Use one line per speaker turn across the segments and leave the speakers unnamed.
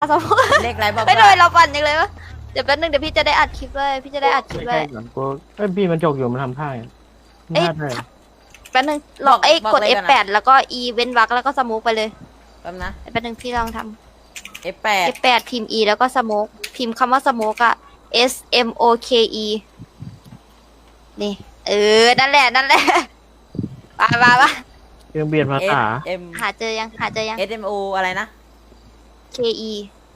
สมมติ
เลขอะไรบอก
ไม่โดยเราปั่นยังเลยวะเดี๋ยวแป๊บนึงเดี๋ยวพี่จะได้อัดคลิปเลยพี่จะได้อัดคลิป
ไม่
เล
ใช่
ย
ก่อนกูพี่มันจกอยู่มันทำท่าไง
เอ้ย
น่าได้
แป๊บนึงลองกด F8 แล้วก็ E เว้นวรรคแล้วก็สโมกไปเลย
แป๊บนะ
แป๊บนึงพี่ลองท
F8
ำ F8 พิมพ์ E แล้วก็สโมกพิมพ์คำว่าสโมกอะ SMOKE นี่นั่นแหละมา
เครื่องเบียดภาษา
M
หาเจอยัง
SMO อะไรนะ
KE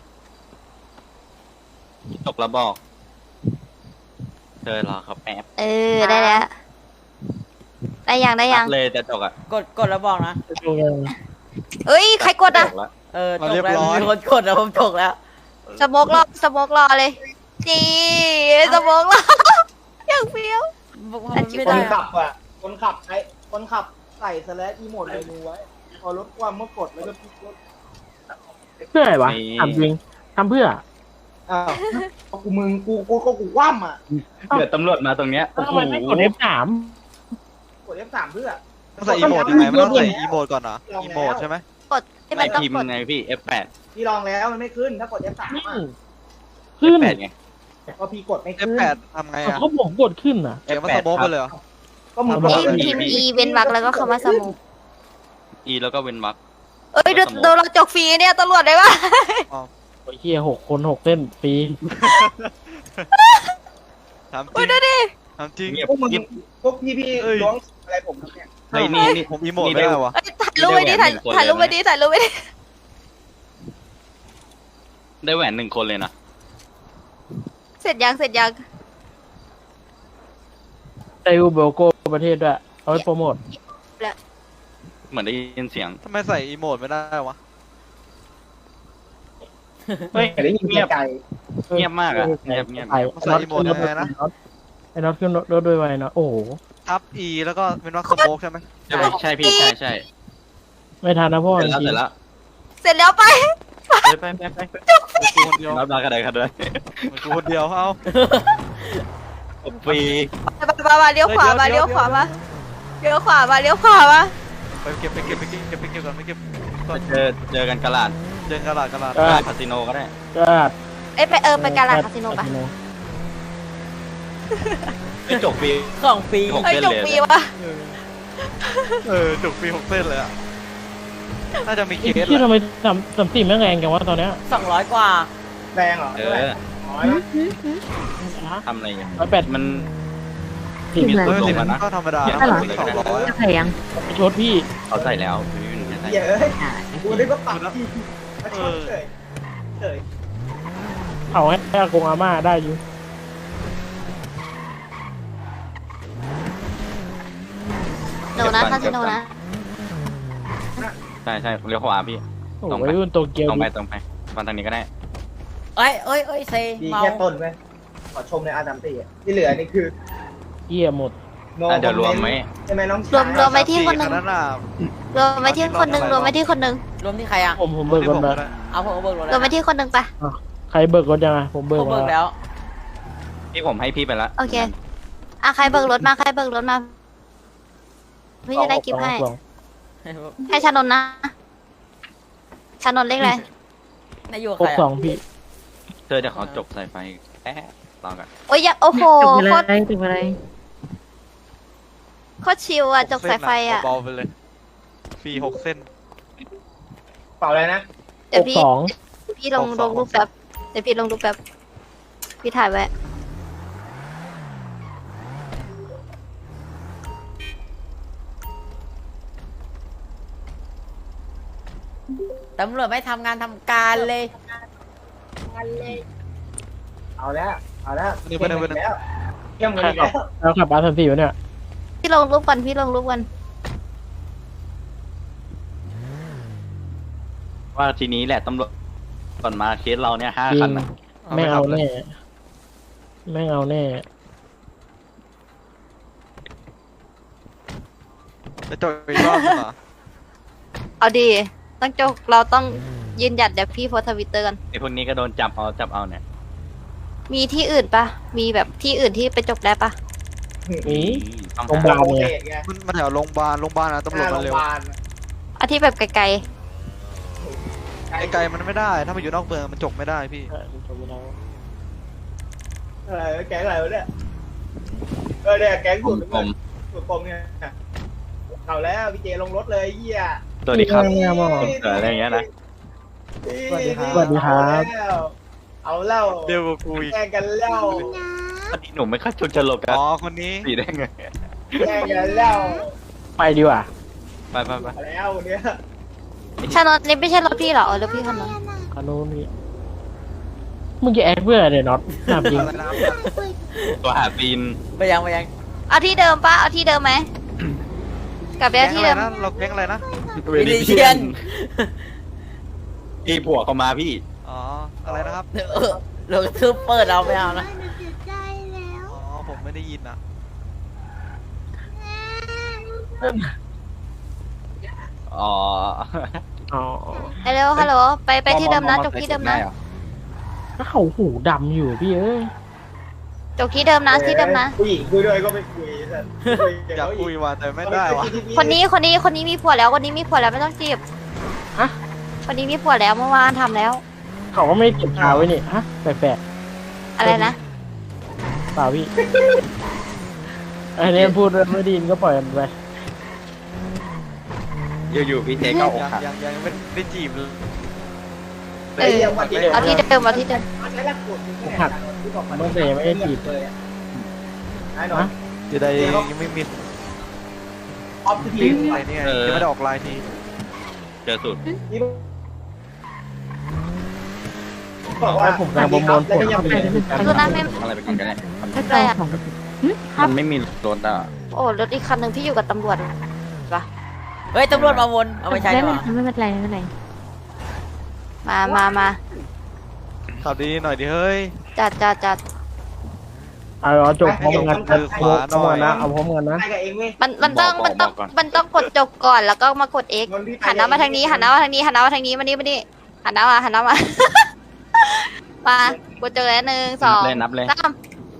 จบแล้วบอกเธอรอเขาแป๊บ
ได้แล้วได้ยัง
รับเลยจะจบอ่ะ
กดแล้วบอกนะ
เอ้ยใครกดอะ
จบแล้ว
จบแล้วมีคนกดแล้วผมจบแล้ว
สโมกรอเลยนี่สโมกรอ อย่างเฟี้ยว
ไม่
ค
ได้
นขับอ่ะคนขับใส่สแลชอีโมดเมนูไว้พอลดความเมื่อกดแล้วก็พลิกรถ
เพื่ออะไรวะถามจริงทำเพื่อ
อ้าวกูมึงกูคว่ำอ่ะ
เดี๋ยวตำรวจมาตรงเนี้ยโอ้
ทำ
โห
ไมไม่กด F3
กด F3 เพื่อ
ต้องใส่อีโมดยังไงมันต้องใส่อีโมดก่อนเหรอ อีโมดใช่ไหม
กดที่
ไม่
มันต้อง
พิมพ์
กด
ไงพี่ F8
พี่ลองแล้วมันไม่ขึ้นถ้ากด F3
นี่
อ่ะ
ขึ้น
F8 ไง
พอพี่กดไม่ขึ้น
F8 ทำไงอ่ะ
เขาบอกกดขึ้นอ่ะ
เขียนว่าสโมกไปเลยเหรอ
ก็มึง
เอา
กด
พิมพ์ E เว้นวรรคแล้วก็คำว่าสโมก
E แล้วก็เว้นวรรค
เอ้ยโดนเราจกฟรีเนี่ยตำรวจได้ปะ
โอ้ยเฮีย6 คน6เส้นฟรี
ทำจ
อุ้
ริ
ย
ง
ดูดิ
ทำจริง
พวกมึงพวกพี่
เอ้ย
ล้วงอะไรผมครับเนี่ย
เฮ้ยนี่
ผมอีโมดไม่ได้วะ
เอ้ยถ่ายรูปไว้ดิถ่ายรูปไว้ดิ
ได้แหวนหนึ่งคนเลยนะ
เสร็จยัง
ไดวูเบลโกประเทศด้วยเอาไว้โปรโมท
เหมือนได้ยินเสียง
ทำไมใส่อีโมดไม่ได้วะ
เฮ้ย
แต่ได้ยิน
เงียบ
ไกล
เงียบมากอะเงียบ
ไอ้น็อตขึ้นรถด้วยไว้เนาะโอ้โห
ทับ E แล้วก็เป็นว่าสโมกใช่ไหม
ใช่พี่ใช่
ไม่ทันนะพ่อ
เสร็จแล้ว
จริ
เสร็
ง
จแล้ว
เสร็จแล้วไป
ไป
กูคนเดียว
รับได้กันเลย
กูคนเดียวเอา
ฟรี
มาเลี้ยวขวามาเลี้ยวขวามา
ไปเก็บก่อนไปเก็บก่อน
เจอกันกะลาด
เดินกระดาษ
กะลาดคาสิโนก็ได้
ก็
เอ้ยไปการาคาสิโนปะ
ไปจบฟรี
ของฟรี
เอ้ยจกฟรีวะ
จุกปี6เส้นเลยอ่ะ น่าจะมีเคส
ที่ทำไม3-4แม่งแรงจังวะตอนเนี้ย
200 กว่า
แรงเหรอ
เอ
เท่าไหร่
อ
น้อยนะ
ทำอะไรอย่าง
108
มัน
ผิด
มี
เฮ้
ตัวย ล
สิ
งมานะ
ก็ธรรมดา
อย่า
นะ
ง
ไม่
นั้น
ต้อง200
ใส่ยัง
ไปชดพี่
เขาใส่แล้วพี่วินใส่
เยอะกูได้ก็ปรับที่มาชดเฉย
เอาให้อากงอาม่าได้อยู่
โนนะคาสิโนนะ
ใช่เลี้ยวขวาพี่
โอ้
ตรง
โห
ไป
รุ่นโตเกียว
ตรงไปวันทางนี้ก็ได้
เอ้ยเซ
ดี
เมา
แค่ต้นไหมขอชมในอาร์ตามตีที่เหลือนี่คือ
เหี้ยหมด
no
เดี๋ยวรวมไหม
ใช่ไหมน้อง
รวมไปที่คนหนึ่ง
คันั้นน่ะ
รวมไปที่คนหนึ่ง
รวมที่ใครอ่ะ
ผมเบิก
ที่
ก่อน
ผม
ไป
ก็ได้
เอาผมเบิกรถ
ร
แล้ว ว
มไปที่คนหนึ่งปะ
ใครเบิกรถยังไงผมเบิก
ผมเบิก
มา
แล้ว
ที่ผมให้พี่ไปละ
โอเคใครเบิกรถมาพี่จะได้กิฟต์ให้
สอง
ให้ชานนท์นะชานนท์เลขอะไร
นายอยู่กับ
ห
ใคร
กสอ
อ่ะ
งพี่
เธอจะขอจบสายไฟแป๊บรอกัน
โอ้ยโอ้โห
ถึง
โค
อะไร
ตร
ถึงอะไร
โคตรชิวอ่ะจกสายไฟอ่ะ
เบาๆไปเลยฟรี6เส้น
เปล่าอะไรนะ
เดี๋ยว
62
พี่ลงรูปแป๊บเดี๋ยวพี่ลงรูปแป๊บพี่ถ่ายไว้
ตำรวจไม่ทำงานทำการเลย
เอาแล้วแล้ว
นี่ไปหนึ่ง
แล้วเยี่ยมกัน
ใคร
อีก
ขับ
แล้ว
แล้วขับR34วะเนี่ย
พี่ลงรูปกัน
ว่าทีนี้แหละตำรวจก่อนมาเคสเราเนี่ย5
จริ
คั
ง
นนะ
แม่งเอาแน่แม่งเอาแน่
จะจบอีกรอบนึงเหรอ
เอาดีต้องจกเราต้องยืนหยัดเดี๋ยวพี่โพสทวิตเตอร์กัน
ไอพวกนี้ก็โดนจับเอาเนี่ย
มีที่อื่นปะมีแบบที่อื่นที่ไปจกได้ปะ
หนี
ต้อง
โรงพยาบาล
โอเคไง
มันแถวโรงพยาบาลนะตำรวจ
โร
มาง
พ
เร็วย
าบาล
เอาที่แบบไกล
ไก
ไกลๆมันไม่ได้ ถ้ามันอยู่นอกเมืองมันจบไม่ได้พี่
อะไรแก๊งอะไรวะเนี่ยเนี่ยแก๊งสุดปมเนี่ยเอาแล้วพี่เจลงรถเลยเหี้ย
สวัสดีครับ
เนี่ยมอง
อะไรอย่างเงี้ยนะ
สวัสดีครับสวัสดีครับ
เอาแล้ว
เร็วกว่ากูอีก
แย่งกันแล้ว
อันนี้หนุ่มไม่ค่อยชนจะหลบกัน
อ๋อคนนี้
สีได้ไง
แย่งกันแล้ว
ไปดีกว่า
ไปไปไป
เอาแล้วเนี่ย
ใช่รถนี่ไม่ใช่รถพี่เหรอรถพี่คันนั้น
อันนู้นนี่มึงจะแอคเพื่ออะไรน็อตถามจริง
ตัวหาปีน
ไปยัง
เอาที่เดิมปะเอาที่เดิมไหมกลับไป
แก๊
เอา
ง
ที่
อะไร
เดิม
นะเราแก๊งอะไรนะ
วินิเชียน
พี่ผัวเขามาพี่
อ๋ออะไรนะครับ
เราคือเปิดเราไม่เอานะ
อ๋อผมไม่ได้ยินอ่ะ
อ๋อ
อ๋อ
เร็วฮัลโหลไปที่เดิมนะจบที่เดิมนะ
ถ้าเขาหูดำอยู่พี่เอ้ย
จบที่เดิมนะที่เดิมนะ
ผู้หญิงคุยด้วยก็ไม่คุยแต่คุยกับ
อยาก
เขา
คุย
อีก
ว่ะแต่ไม่ได้ว่ะ
คนนี้มีผัวแล้วคนนี้มีผัวแล้วไม่ต้องจีบ
ฮะ
คนนี้มีผัวแล้วเมื่อวานทำแล้ว
เขาก็ไม่เก็บขาไว้นี่ฮะแปลก
อะไรนะ
ๆเปล่าพี่อันนี้พูดไม่ดีก็ปล่อยมันไป
อยู่ๆพี่เจก็อกหัก
ยังไม่ได้จีบเลย
เออเอาที่เดิมเอาที่เดิม
ใช้หลักกฎที่แหละที่บอก
มันเสียไม่ได้จีบ
เลยไอ้หน่อย
จะได้ยังไม่มี
ออฟ
ที
ทีม
อะไรเนี่ยยังไม่ได้ออกไลน์ที
เจอสุด
ที่บอกว่า
ผมกำลังประมวลผล
แล้วก็ยังไม่
ดูนะไม่
อะไรไปก่อนกันแน่
อะไรอ่ะ
มันไม่มีรถอ่ะ
โอ้รถอีกคันหนึ่งพี่อยู่กับตำรวจปะ
เฮ้ยตำรวจมาวนเอาไปใช้ดีกว่า
ไม่เป็นไรไม่เป็นไร
มา
ขับดีๆหน่อยดิเฮ้ย
จัด
เอาจบพร้อมกันเอาพร้อมกันนะเอาพร้อมกันนะ
ไปกับเองเว้ย
มันต้องกดจบก่อนแล้วก็มากด X หันหน้ามาทางนี้หันหน้ามาทางนี้มานี่หันหน้ามา มากดเจอแล้ว1 2
นับเลย
3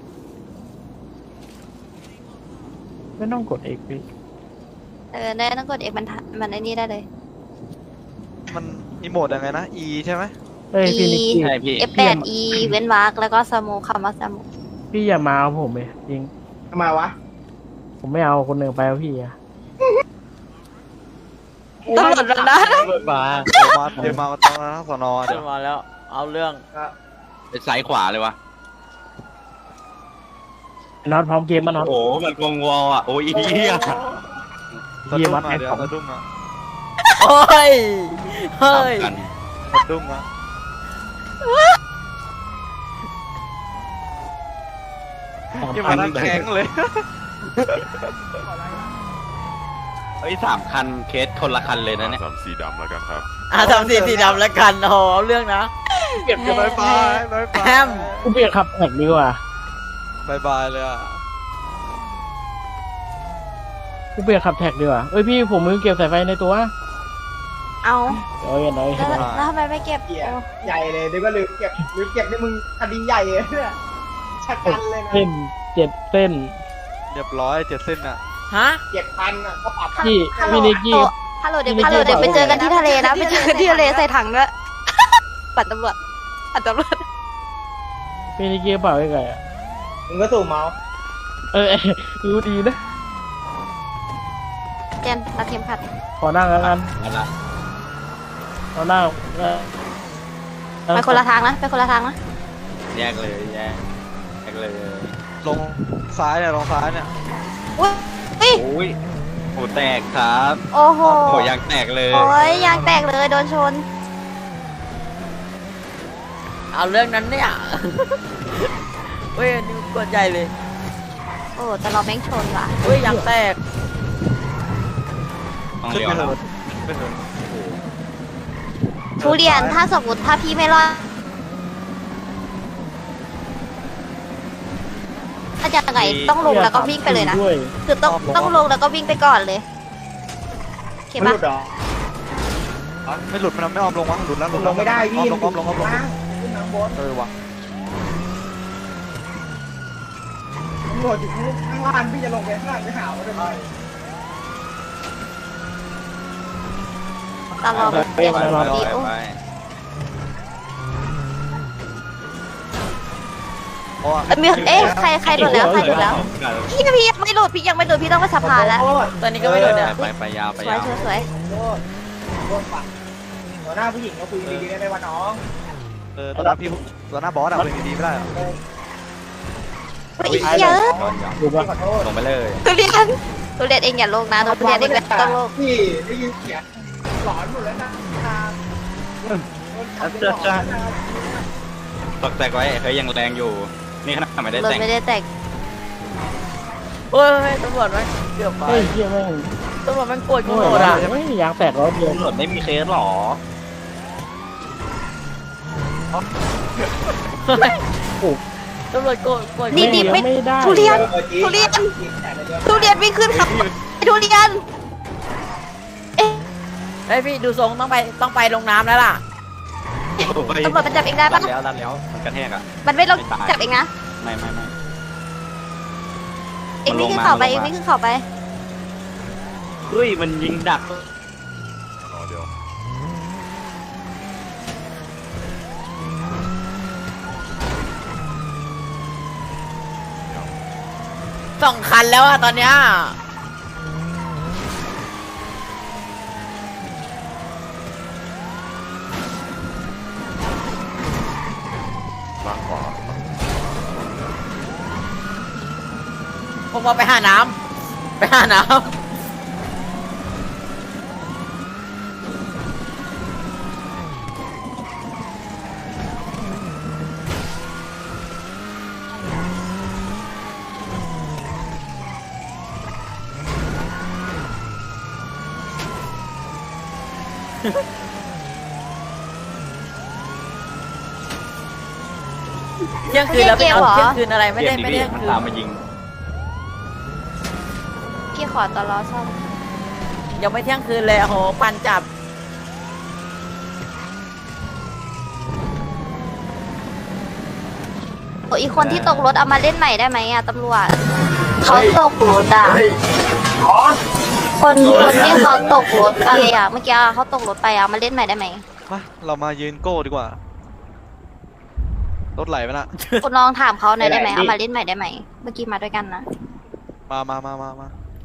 ไม่ต้องกดเอกพี่
ได้ต้องกด X มันไอ้นี่ได้เลย
มันอีโมดยังไงนะ E ใช่ไหม
เฮ้ยพี่นิกกี้
ใช่พี่
F8 E เว้นวรรคแล้วก็สโมคำว่าสโม
พี่อย่ามาเอาผมเลยจริง
ทำไมวะ
ผมไม่เอาคนหนึ่งไปเอาพี่อะ
ตำรวจแล้วนะ
บ้า
เดี๋ยวมาตอนทั้งสอนอเดี๋ยว
มาแล้วเอาเรื่อง
ไปซ้ายขวาเลยวะ
น็อตพร้อมเกมมาน็อต
โอ้มันกงวออ่ะโอ้ยเหี้ย
สะดุ้งอ่ะเดี๋ยวสะดุ้งอ่ะ
โอ้ยเฮ้ย
กัน
สะดุ้งอ่ะยังมานั่งแข็งเลย
เฮ้ย3 คันเคสคนละคันเลยนะเนี่ย
ทำสีดำแล้วกันครับ
ทำสีดำแล้วกันโอ้โหเอาเรื่องนะ
เก็บกัน
บายบายบายบาย
แฮม
กูเปลี่ยนขับแท็กดีกว่า
บายบายเลยอ่ะ
กูเปลี่ยนขับแท็กดีกว่าเอ้ยพี่ผมมือเก็บสายไฟในตัว
เอา
เอ้ยน้อย
แล้วทำไมไม่เก็บ
เกียใหญ่เลยเดี๋ยวก็ลืมเก็บนี่มึงคดีใหญ่เลยเนี่ยชักกันเลยนะ
เส้น7 เส้น
เรียบร้อย7 เส้นอ่ะ
ฮะ
7,000อ่ะก็ปรับ
พี่พี่นิกกี้
ฮัลโหลเดี๋ยวไปเจอกันที่ทะเลนะไปเจอกันที่ทะเลใส่ถังด้วยปัดตำรวจ
พี่นิกกี้เปล่าไอ้ไก่อะ
มึงก็สูบเมาส์
รู้ดีนะ
เจนรัดเข็มขัด
ขอนั่งแล้วกัน
นั่นละ
ขอนั่ง
ไปคนละทางนะ
แยกเลยแยกเลย
ลงซ้ายเนี่ยลงซ้ายเนี่ย
อุ้ย
โอ้ยโหแตกครับ
โอ้โห
โหยางแตกเลย
โอ้ยยางแตกเลยโดนชน
เอาเรื่องนั้นเนี่ยเฮ้ยอันนี่กดใหญ่เลย
โอ้แต่เราแม่งชนว่ะ
เฮ้ยยางแตก
ต้อง
ขึ้น
เลี้ยว
ไปเถ
แล้ว
อะไปเถอะ
ทุเรียนถ้าสมมติถ้าพี่ไม่รอดถ้าจะยังไงต้องลงแล้วก็วิ่งไปเลยนะ
ด้วย
คือต้องลงแล้วก็วิ่งไปก่อนเลยโอเค
ไม่
ปะ
หลุดหรอ
ไม่หลุดมันไม่ออมลงวะหลุดแล้วหลุด
ล
แล้ว
งไม่ได้พี่
ออมลง
ขึ้นน้ำบน
ว่ะ
ตำรวจอยู่ข้างล่างพี่จะลงไปข้างล่างไปหาว่าทำไม
ตลอด
ไป
เปลี่ยน
ไป
ดีโอ้
ไป
เพราะว่า
ใครหลุดแล้วใครหลุดแล้วพี่ยังไม่หลุดพี่ยังไม่หลุดพี่ต้องไปสะพานแล้ว
ตัวนี้ก็ไม่โดนเนี่ย
ไปยาวไป
สวย
ยาว
สวย
โทษฝั่งหัวหน้าผู้หญิงก็คุยดีๆได้ไหมวะน้อง
ตอนหน้าพี่ตอนหน้าบอสอะคุยดีๆไม่ได้เหรอ
อีกเยอะ
ดูปะ
ขอโทษ
ลงไปเลย
ทุเรียนเองอย่าโลกนะทุเรียนเองต้องโลก
พี่ได้ยินเสียงหลอนหมดแล้วนะ
ตกแตกไว้เฮ้ยยังแรงอยู่ นี่ขนาดไม่ได้
รถ
แต่ง
ไม่ได้แต่ง
เฮ้ยตำรวจไหมเกือบไป
เฮ้ยเฮียแม่ง
ตำรวจมันโกรธกู
โง่
หมด
อะ
อ่ะ
ไม่ยางแตกร้อยเดียว
ตำรวจไม่มีเคสหรอ
ตำรวจโกรธ
นี่ดิไม่
ไม่ได้
ทุเรียนวิ่งขึ้นขับทุเรียน
เฮ้ยพี่ดูทรงต้องไปลงน้ำแล้วล่ะ
ตำรวจมันจับเองได้ปะ
แล้วมันกระแทกอ่ะ
มันไม่ลงจับเองนะ
ไม่
เองวิ่งขึ้นเขาไปเองวิ่งขึ้นเขาไป
เฮ้ยมันยิงดัก
2 คันแล้วอะตอนเนี้ย ผมเอาไปหาน้ำ เที่ยงคืนแล้วไปเอาเที่ยงคืนอะไรไม่ได้
มัน
เที่ยงคืน
ตามมายิง
พี่ขอตลอซ่อม
ยังไม่เที่ยงคืนเลยโอ้โหปันจับ
โอ้อีกคนที่ตกรถเอามาเล่นใหม่ได้ไหมอะตำรวจเขาตกรถอะคนที่เขาตกรถไปอะเมื่อกี้เขาตกรถไปอะมาเล่นใหม่ได้ไหม
มาเรามายืนโก้ดีกว่า รถไหลไปละ
คุณลองถามเขาหน่อยได้ไหมเอามาเล่นใหม่ได้ไหมเมื่อกี้มาด้วยกันนะ
มา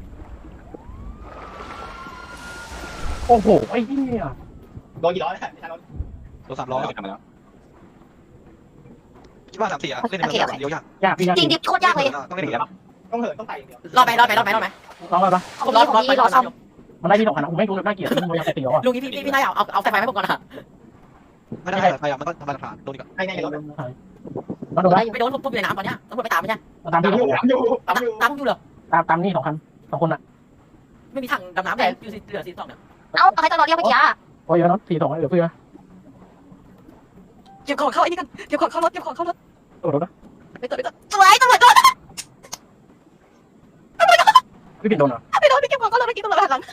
โอ้โหไอ้เหี้ย
โดนกี่ร้อยแล้ว
รถ3 ล้อ
ทำมาแล้ว
คิดว่า3-4อะเล่นในเมืองเดียวยาก
ยากพี่ยาก
จริงดิโคตรยากเลย
ต้องเล่นอีกแล้ว
ต้องเหินต้องไต่อย่างเดียว
รอดไหม
ร้องไปปะ
ผมนี่รอซ่อม
มันได้ที่2คันนะผมไม่รู้เลยน่าเกลียดมันยังตีเหรอ
ลุงพี่ได้เอาสายไฟให้ผมก่อนนะ
ไม่ได้พยายามมันต้องทำลายหลักฐานโดนอีก
ให้ในรถ
มาดูนะ
ไปโดนผมอยู่ในน้ำตอนเนี้ยตำรวจไปตามไม่ใช่
ตามที่
ตามอยู่เหรอ
ตามนี่2 คัน 2 คนอ่ะ
ไม่มีถังดำน้ำเลยอยู่เหลือ42เนี่ย
เอ้าใครตลอดเรียกเมื่อกี้อะ
โอ้ยเนาะ42เหลือเพื่อ
เก็บของเข้าไอ้นี่กันเก็บของเข้ารถ
โอ้โหนะ
ไปตัว
สวยตำรวจโดน
พี่ปิดโดนเหรอ
ไปเก็บของเขาเลยเมื่อกี้ตำรวจหันหลัง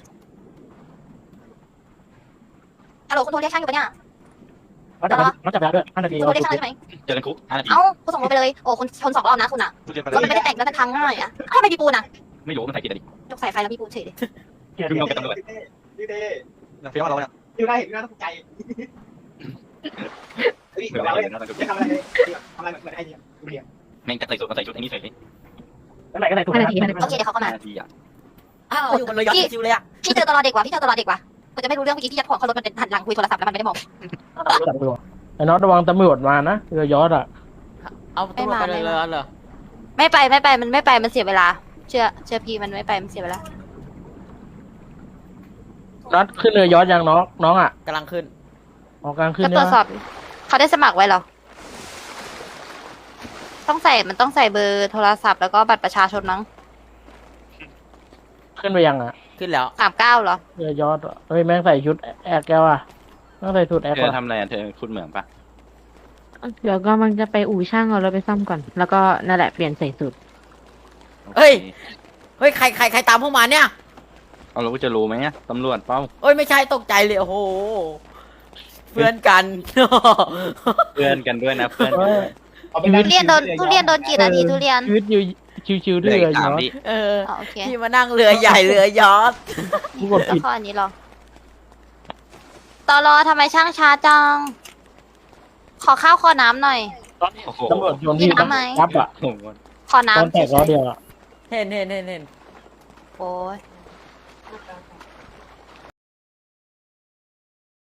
ฮัลโหลคุณโทรเรียกช่างอยู่ปะเนี่ย
เราจับได้ด้วย5 นาที
คุณโทรเรียกช่างได้ไหม
เจอกันคุก5 นาที
เอ้าคุณส่งรถไปเลยโอ้คุณชน2 รอบนะคุณอะ
ทุเรียนไป
รถมันไม่ได้แต่งแล้วมันพังง่ายอะทำไมมีปูนอะ
ไม่รู้มันใส่กี่นาที
ยกสายไฟแล้วมีปูนเฉยเลย
เกียร์
ยุ่งกับตำรวจ
พี่เต้
อย่างเฟี้ยวเราเนี่ย
พี่ได้เห็นพี่น่าตกใจเฮ้ยเราจะทำอะไรทำอะไรเหมือนไอ้เนี่ยดูเดียว
แม่งจะใส่ชุดไอ้นี่ใส่เลย
ไหนก็ไหนถูก
โอเคเดี๋ยวเขาก็มา
5 นาทีอ่ะ
อ้าวอยู่บนเรือยอชต์ชิวเลยอ่ะ
พี่เจอตลอดเด็กว่ะกูจะไม่รู้เรื่องเมื่อกี้พี่ยัดของเขารถมันเป็นหันหลังคุยโทรศัพท์แล้วมันไม่ได้มอง
จับตัวไอ้น็อตระวังตำรวจมานะเรือยอชต์อ่ะ
เอาตำรวจไปเลยเหรอ
ไม่ไปมันเสียเวลา เชื่อพี่มันไม่ไปมันเสียเวลา
น็อตขึ้นเรือยอชต์ยังน้องอ่ะ
กำลังขึ้น
ออกกลางขึ้น
ก็
เนี่
ตรวย จสอบเขาได้สมัครไว้เหรอมันต้องใส่เบอร์โทรศัพท์แล้วก็บัตรประชาชนมั้ง
ขึ้นไปยังอ่ะ
ขึ้นแล้ว
39เหรอ
เรือยอชต์เฮ้ยแม่งใส่ชุดแอกแกวอ่ะแม่งใส่ชุดแอก
เธ
ก่อ
อน ทำอะไรเธอคุณเหมืองปะ
เดี๋ยวก็มันจะไปอู่ช่างเอารถไปซ่อมก่อน แล้วก็นั่นแหละเปลี่ยนใส่สูตร
เฮ้ยใครตามพวกมาเนี่ย
เอาเราจะรู้ไหมตำรวจเป้า
เอ้ยไม่ใช่ตกใจเลยโอ้โหเพื่อนกัน
เพื่อนกันด้วยนะเพื่อน
ทุเรียนโดนกี่นาทีทุเรียน
ชีวิตอยู่ชิวๆ
เห
ด้
ลื
ว
อย อีก
เรือยอ
3
ชต์
วิ
เออ
โอเค
ที่มานั่งเรือใหญ่เรือยอชต์
กูกด
แล้ว
ผิด
ข้ออันนี้หรอตลอทำไมช่างช้าจังขอข้าวขอน้ำหน่อย
ตอนนี้ตำรวจโยนที่
มีน้ำไหม
ยับอ่ะ
ผมว่า
ขอ
ตอน
น้ำ
แตกล้อเดียวอ่ะ
เห็น
โอ้ย